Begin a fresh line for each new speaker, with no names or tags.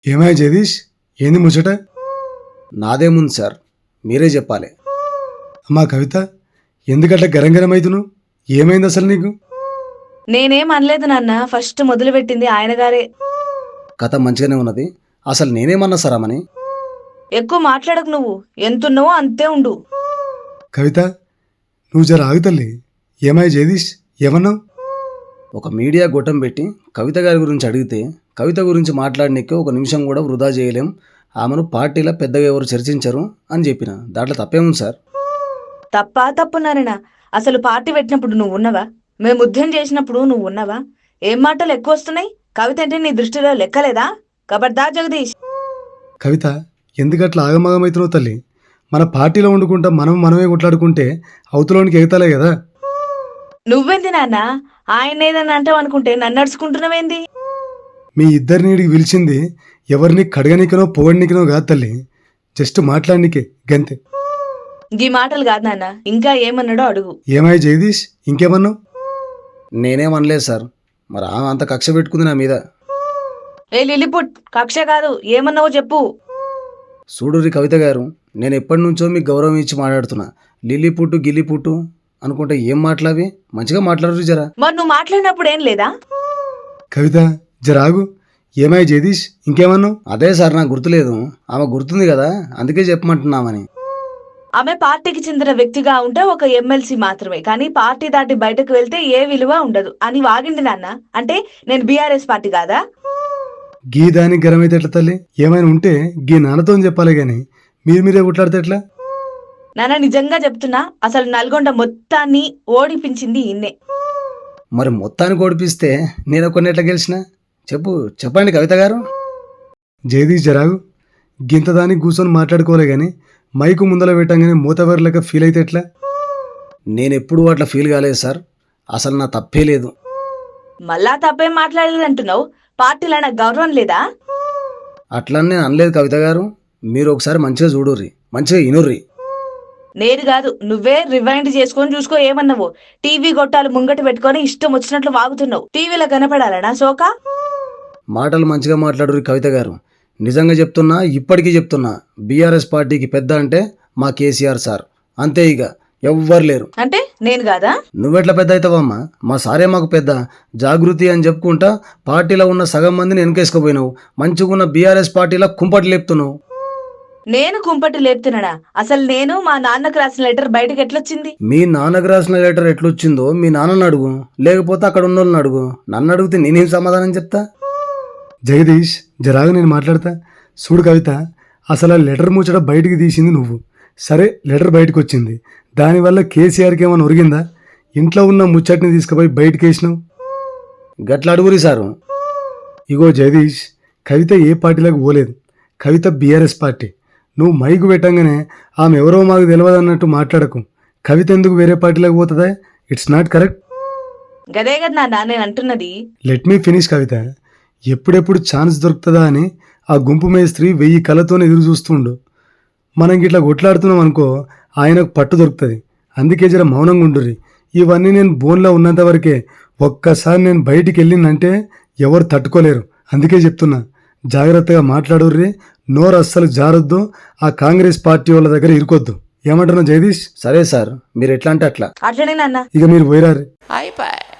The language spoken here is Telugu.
ఏమాయ జగదీష్, ఏంది ముచ్చట?
నాదేముంది సార్, మీరే చెప్పాలి.
అమ్మా కవిత, ఎందుకట్లా గరంగరమైతును? ఏమైంది అసలు నీకు?
నేనేం అనలేదు నాన్న, ఫస్ట్ మొదలుపెట్టింది ఆయన గారే.
కథ మంచిగానే ఉన్నది. అసలు నేనేమన్నా సార్ అమ్మని?
ఎక్కువ మాట్లాడకు, నువ్వు ఎంతున్నావో అంతే ఉండు.
కవిత, నువ్వు జర ఆగు తల్లి. ఏమాయ జగదీష్, ఏమన్నావు?
ఒక మీడియా గొట్టం పెట్టి కవిత గారి గురించి అడిగితే కవిత గురించి మాట్లాడనికే ఒక నిమిషం కూడా వృధా చేయలేం, ఆమెను పార్టీలో పెద్దగా ఎవరు చర్చించరు అని చెప్పిన. దాంట్లో తప్పేముంది సార్?
తప్పు నారాయణ. అసలు పార్టీ పెట్టినప్పుడు నువ్వు ఉన్నవా? మేము ఉద్యమం చేసినప్పుడు నువ్వు ఉన్నవా? ఏం మాటలు ఎక్కువ వస్తున్నాయి? కవిత అంటే నీ దృష్టిలో లెక్కలేదా? కబర్దా జగదీష్.
కవిత, ఎందుకట్లా ఆగమాగమవుతున్నావు తల్లి? మన పార్టీలో వండుకుంటా మనమే కొట్లాడుకుంటే అవతలోనికి ఎగతాలే కదా.
నువ్వేంది నాన్న, ఆయన ఏదన్నా అంటావు అనుకుంటే నన్ను నడుచుకుంటున్నావేంది?
మీ ఇద్దరిని ఈడికి పిలిచింది ఎవరిని కడగనికనో పొగడనికనో కాదు తల్లి, జస్ట్ మాట్లాడనికే గంతే.
ఈ మాటలు కాదు నాన్న, ఇంకా ఏమన్నాడో అడుగు.
ఏమాయ జగదీష్, ఇంకేమన్నావు?
నేనేమనలేదు సార్. మరి ఆమె అంత కక్ష పెట్టుకుంది నా మీద.
ఏ లిల్లిపుట్, కక్ష కాదు, ఏమన్నావో చెప్పు.
చూడుర్రి కవిత గారు, నేను ఎప్పటి నుంచో మీకు గౌరవం ఇచ్చి మాట్లాడుతున్నా. లిల్లిపుట్టు గిల్లిపుట్టు అనుకుంటే ఏం మాట్లావి? మంచిగా మాట్లాడరు జరా.
మరి నువ్వు మాట్లాడినప్పుడు ఏం లేదా?
కవిత, జరాగు. ఏమాయ జగదీష్, ఇంకేమన్నావు?
అదే సార్, నాకు గుర్తులేదు. ఆమె గుర్తుంది కదా, అందుకే చెప్పమంటున్నామని.
ఆమె పార్టీకి చెందిన వ్యక్తిగా ఉంటే ఒక ఎమ్మెల్సీ మాత్రమే, కానీ పార్టీ దాటి బయటకు వెళ్తే ఏ విలువ ఉండదు అని వాగింది నాన్న. అంటే నేను బీఆర్ఎస్ పార్టీ కాదా?
గీ దానికి గరమైతే ఎట్లా తల్లి? ఏమైనా ఉంటే గీ నాన్నతో చెప్పాలి గాని మీరే కొట్లాడితే ఎట్లా?
నాన్న నిజంగా చెప్తున్నా, అసలు నల్గొండ మొత్తాన్ని ఓడిపించింది ఈయన్నే.
మరి మొత్తానికి ఓడిపిస్తే నేను కొన్ని ఎట్లా గెలిచిన? చెప్పండి కవిత గారు.
జగదీష్, జరాగు. గింత దానికి కూర్చొని మాట్లాడుకోలే గాని మైకు ముందర పెట్టంగానే మూతవరలేక ఫీల్ అయితే ఎట్లా?
నేను ఎప్పుడూ అట్లా ఫీల్ కాలేదు సార్. అసలు నా తప్పే లేదు.
మళ్ళా తప్పేం మాట్లాడలేదు అంటున్నావు? పార్టీలో నాకు గౌరవం లేదా?
అట్లనే అనలేదు కవిత గారు. మీరు ఒకసారి మంచిగా చూడుర్రి, మంచిగా ఇనుర్రి.
నేను కాదు, నువ్వే రివైండ్ చేసుకొని చూసుకో. ఏమన్నావు? టీవీ గొట్టాలు ముంగట పెట్టుకొని ఇష్టం వచ్చినట్లు వాగుతున్నావు. టీవీలో కనపడాలనా సోకా?
మాటలు మంచిగా మాట్లాడుర్రి కవిత గారు. నిజంగా చెప్తున్నా, ఇప్పటికీ చెప్తున్నా, బీఆర్ఎస్ పార్టీకి పెద్ద అంటే మా కేసీఆర్ సార్. అంతే, ఇక ఎవ్వరు లేరు.
అంటే నేను కాదా?
నువ్వెట్లా పెద్ద అవుతావమ్మా? మా సారే మాకు పెద్ద. జాగృతి అని చెప్పుకుంటా పార్టీలో ఉన్న సగం మందిని వెనకేసుకుపోయినావు. మంచిగున్న బీఆర్ఎస్ పార్టీలో కుంపటి లేపుతున్నావు.
నేను కుంపటి లేపుతున్నానా? అసలు నేను మా నాన్నకు రాసిన లెటర్ బయటకు ఎట్లొచ్చింది?
మీ నాన్నకు రాసిన లెటర్ ఎట్లొచ్చిందో మీ నాన్నని అడుగు, లేకపోతే అక్కడ ఉన్న వాళ్ళని అడుగు. నన్ను అడిగితే నేనేం సమాధానం చెప్తా?
జగదీష్, జరాగు, నేను మాట్లాడతా. చూడు కవిత, అసలు ఆ లెటర్ ముచ్చట బయటికి తీసింది నువ్వు. సరే, లెటర్ బయటకు వచ్చింది, దానివల్ల కేసీఆర్కి ఏమైనా ఒరిగిందా? ఇంట్లో ఉన్న ముచ్చటిని తీసుకుపోయి బయటకు వేసినావు.
గట్ల అడుగురి సారు.
ఇగో జగదీష్, కవిత ఏ పార్టీలకు పోలేదు. Kavitha BRS party. నువ్వు మైకు పెట్టంగానే ఆమె ఎవరో మాకు తెలియదు అన్నట్టు మాట్లాడకు. కవిత ఎందుకు వేరే పార్టీలకు పోతుందా? It's not correct.
గదే కదా నాన్న నేను అంటున్నది.
Let me finish Kavitha. ఎప్పుడెప్పుడు ఛాన్స్ దొరుకుతుందా అని ఆ గుంపు మేస్త్రి 1000 కళ్ళతోనే ఎదురు చూస్తుండు. మనం గిట్లా కొట్లాడుతున్నాం అనుకో, ఆయనకు పట్టు దొరుకుతుంది. అందుకే జర మౌనంగా ఉండుర్రి. ఇవన్నీ నేను బోన్లో ఉన్నంత వరకే. ఒక్కసారి నేను బయటికి వెళ్ళిందంటే ఎవరు తట్టుకోలేరు. అందుకే చెప్తున్నా, జాగ్రత్తగా మాట్లాడుర్రి. నోరు అస్సలు జారొద్దు. ఆ కాంగ్రెస్ పార్టీ వాళ్ళ దగ్గర ఇరుకొద్దు. ఏమంటున్నావు జగదీష్?
సరే సార్, మీరు ఎట్లా అంటే అట్లా.
అట్లనే నాన్న.
ఇక మీరు పోయిరారు.
అయిపోయి.